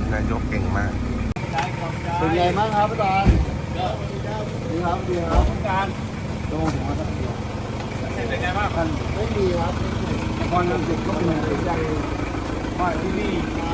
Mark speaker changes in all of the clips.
Speaker 1: นายกเก่งมาก
Speaker 2: เป็นไงบ้างครับอาจารย์ดีครับดีครับการโดนหัวตะเกียบ
Speaker 3: เป็นไงบ้างท่าน
Speaker 2: ไม่ดีครับ
Speaker 3: พรลังสิตก็เป็นใจว่าที่นี่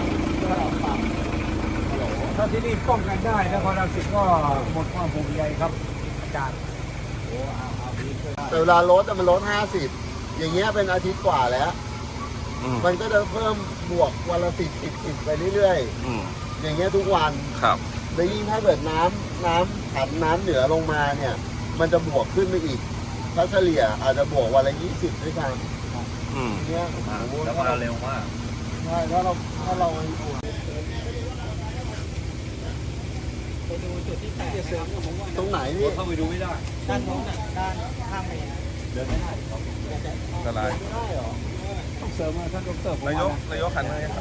Speaker 3: ถ้าที่นี่ป้องกันได้นครรังสิตก็หมดความห่วงใยครับอาจารย์
Speaker 2: แต่เวลาลดมันลด50อย่างเงี้ยเป็นอาทิตย์กว่าแล้วมันก็จะเพิ่มบวกวันละ10ไปเรื่อยๆอย่างเงี้ยทุกวัน
Speaker 1: ครับ
Speaker 2: แล้วยิ่งถ้าเกิดน้ำผันน้ำเหนือลงมาเนี่ยมันจะบวกขึ้นไปอีกถ้าเฉลี่ยอาจจะบวกวันละ20ด้วยกันเนี่ย
Speaker 3: แล้วก็เร็วมาก
Speaker 2: ใช่ถ้าเรา
Speaker 4: ไปดูจุดที่แตก
Speaker 2: ตรงไหนนี่
Speaker 3: เข้าไปดูไม่ได้
Speaker 4: ด้านโน้นด้านข้างเมน
Speaker 3: เดินไม่ได้
Speaker 1: อะไร
Speaker 2: ไม่ได้หรอ
Speaker 3: ต้องเสริมมาท่านดร.
Speaker 1: นายกหันมาครับ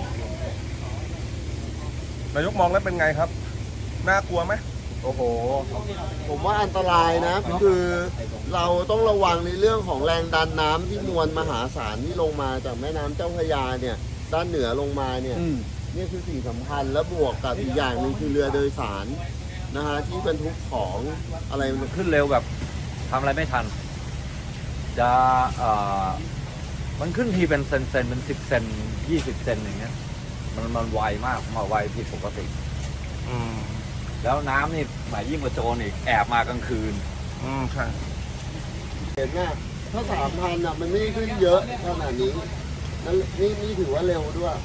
Speaker 1: นายกมองแล้วเป็นไงครับน่ากลัวไหม
Speaker 2: โอ้โหผมว่าอันตรายนะคือเราต้องระวังในเรื่องของแรงดันน้ำที่มวลมหาศาลที่ลงมาจากแม่น้ำเจ้าพระยาเนี่ยด้านเหนือลงมาเนี่ยนี่คือสิ่งสำคัญและบวกกับอีกอย่างหนึ่งคือเรือโดยสารนะฮะที่บรรทุกของอะไร
Speaker 5: มันขึ้นเร็วแบบทำอะไรไม่ทันจะมันขึ้นทีเป็นเซนเป็น10 เซน20 เซนอย่างเงี้ยมันไวมากมาไวผิดปกติแล้วน้ำนี่หมายยิ่งกว่าโจรอีกแอบมากลางคืน
Speaker 1: ใช่
Speaker 2: เห็นว่าถ้า3,000มันไม่ได้ขึ้นเยอะขนาดนี้นี่ถือว่าเร็วด้วย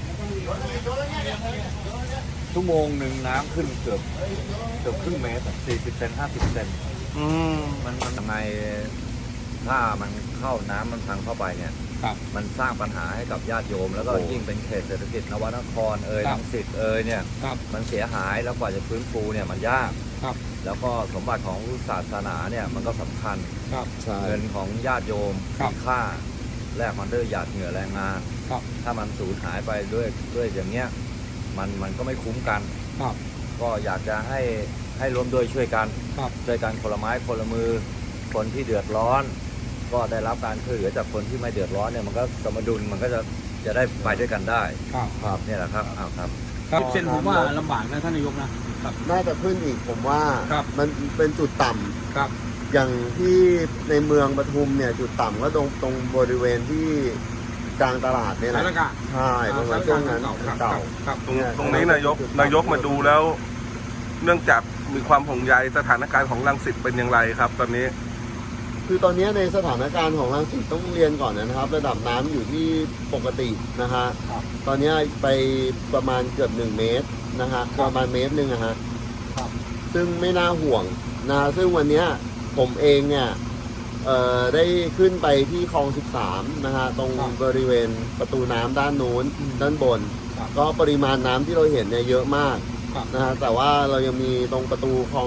Speaker 5: ชั่วโมงหนึ่งน้ำขึ้นเกือบครึ่งเมตร40 เซน50 เซนมันทำไมถ้ามันเข้าน้ำมันพังเข้าไปเนี่ยมันสร้างปัญหาให้กับญาติโยมแล้วก็ยิ่งเป็นเขตเศรษฐกิจนวนครรังสิตเนี่ยมันเสียหายแล้วกว่าจะฟื้นฟูเนี่ยมันยากแล้วก็สมบัติของศาสนาเนี่ยมันก็สำคัญเงินของญาติโยมมีค่าแลกมันด้วยหยาดเหงื่อแรงงานถ้ามันสูญหายไปด้วยอย่างเงี้ยมันก็ไม่คุ้มกันก็อยากจะให้ร่วมด้วยช่วยกันคนละไม้คนละมือคนที่เดือดร้อนก็ได้รับการช่วยเหลือจากคนที่ไม่เดือดร้อนเนี่ยมันก็สมดุลมันก็จะได้ไปด้วยกันได้ครับเนี่ยแหละครับครับ
Speaker 3: เส้นผมว่าลำบากนะท่านนายกนะครับ
Speaker 2: น่าจะขึ้นอีกผมว่ามันเป็นจุดต่ำ
Speaker 3: ครับ
Speaker 2: อย่างที่ในเมืองปทุมเนี่ยจุดต่ำก็ตรงบริเวณที่กลางตลาดเนี่ยแหละใช่ตรงนั้นช่วงนั้นเก่า
Speaker 1: ตรงนี้นายกมาดูแล้ว เนื่องจากมีความห่วงใยสถานการณ์ของรังสิตเป็นอย่างไรครับตอนนี้
Speaker 2: คือตอนนี้ในสถานการณ์ของรังสิตต้องเรียนก่อนนะครับระดับน้ำอยู่ที่ปกตินะฮะตอนนี้ไปประมาณเกือบ1 เมตรนะฮะประมาณ1 เมตรนะฮะซึ่งไม่น่าห่วงนะซึ่งวันนี้ผมเองเนี่ยได้ขึ้นไปที่คลอง13นะฮะตรงบริเวณประตูน้ำด้านนู้นด้านบนก็ปริมาณน้ำที่เราเห็นเนี่ยเยอะมากนะฮะแต่ว่าเรายังมีตรงประตูคลอง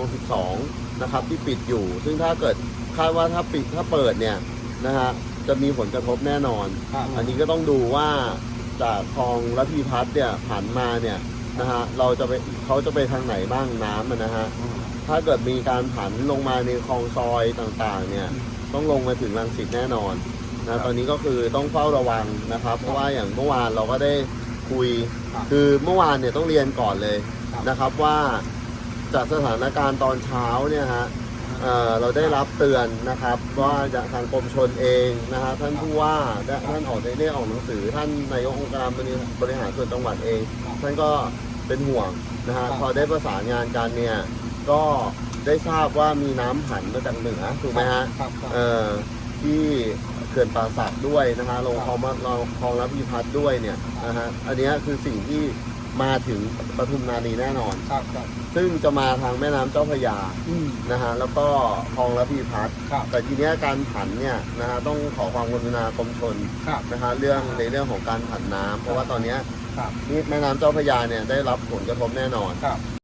Speaker 2: 12นะครับที่ปิดอยู่ซึ่งถ้าเกิดคาดว่าถ้าเปิดเนี่ยนะฮะจะมีผลกระทบแน่นอนอันนี้ก็ต้องดูว่าจากคลองระพีพัฒน์เนี่ยผ่านมาเนี่ยนะฮะเขาจะไปทางไหนบ้างน้ำนะฮะถ้าเกิดมีการผันลงมาในคลองซอยต่างๆเนี่ยต้องลงมาถึงรังสิตแน่นอนนะตอนนี้ก็คือต้องเฝ้าระวังนะครับเพราะว่าอย่างเมื่อวานเราก็ได้คุยคือเมื่อวานเนี่ยต้องเรียนก่อนเลยนะครับว่าจากสถานการณ์ตอนเช้าเนี่ยฮะเราได้รับเตือนนะครับว่าจากทางกรมชลเองนะฮะท่านผู้ว่าท่านได้ออกหนังสือท่านนายกองค์การบริหารส่วนจังหวัดเองท่านก็เป็นห่วงนะฮะพอได้ประสานงานกันเนี่ยก็ได้ทราบว่ามีน้ำผันมาจากเหนือถูกไหมฮะที่เขื่อนป่าสักด้วยนะฮะลงคลองระพีพัฒน์ด้วยเนี่ยนะฮะอันนี้คือสิ่งที่มาถึงปทุมธานีแน่นอนซึ่งจะมาทางแม่น้ำเจ้าพระยานะฮะแล้วก็คลองระพีพัฒน์แต่ทีนี้การผันเนี่ยนะฮะต้องขอความกรุณากรมชลนะฮะในเรื่องของการผันน้ำเพราะว่าตอนนี้นี่แม่น้ำเจ้าพระยาเนี่ยได้รับผลกระทบแน่นอน